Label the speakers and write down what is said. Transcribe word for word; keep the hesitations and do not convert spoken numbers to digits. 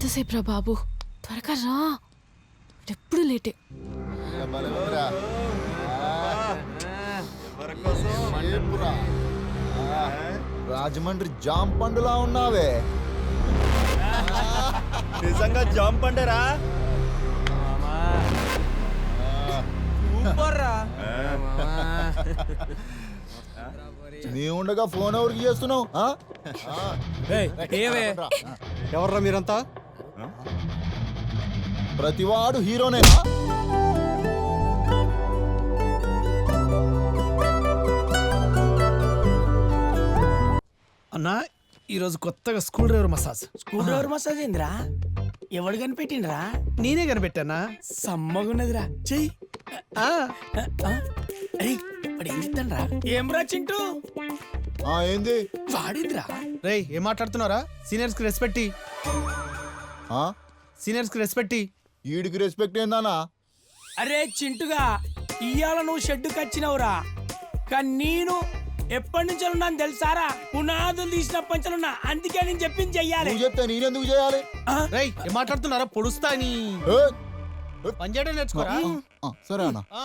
Speaker 1: ఎంతసేపు రా బాబు, త్వరగా రా, ఎప్పుడు లేటే.
Speaker 2: రాజమండ్రి జామ్ పండులా ఉన్నావే.
Speaker 3: నిజంగా జామ్ పండరా?
Speaker 2: నీ ఉండగా ఫోన్ ఎవరికి చేస్తున్నావు?
Speaker 4: ఎవర్రా మీరంతా?
Speaker 2: ప్రతివాడు హీరోనేనా?
Speaker 5: అన్నా ఈరోజు కొత్తగా school driver massage.
Speaker 6: School driver massage ఏందిరా? ఎవడు కనిపెట్టిండ్రా?
Speaker 5: నేనే కనిపెట్టానా?
Speaker 6: సమ్మగున్నదిరా, చెయ్యి. ఇప్పుడు ఏం చెప్తాన్రా? ఏం రా చింటూ?
Speaker 2: ఆ ఏంది
Speaker 6: వాడింద్రా?
Speaker 5: రేయ్ ఏం మాట్లాడుతున్నారా? సీనియర్స్ కి రెస్పెక్ట్.
Speaker 2: ఆ
Speaker 5: సీనియర్స్ కి రెస్పెక్ట్.
Speaker 2: ఈడికి రెస్పెక్ట్ ఏందానా?
Speaker 6: అరే చింటుగా, ఇయ్యాల నువ్వు షెడ్డుకి వచ్చినవురా, కానీ నేను ఎప్పటి నుంచి ఉన్నాను తెలుసారా? పునాదులు తీసినప్పటి నుంచి ఉన్నా, అందుకే నేను చెప్పింది చెయ్యాలి.
Speaker 2: నువ్వు చెప్తే నేనెందుకు చేయాలి?
Speaker 5: రేయ్ ఏం మాట్లాడుతున్నారా? పొడుస్తా నీ
Speaker 2: ఏ?
Speaker 5: పని చేయడం నేర్చుకోరా.
Speaker 2: ఆ, సరే అన్న.
Speaker 5: ఆ,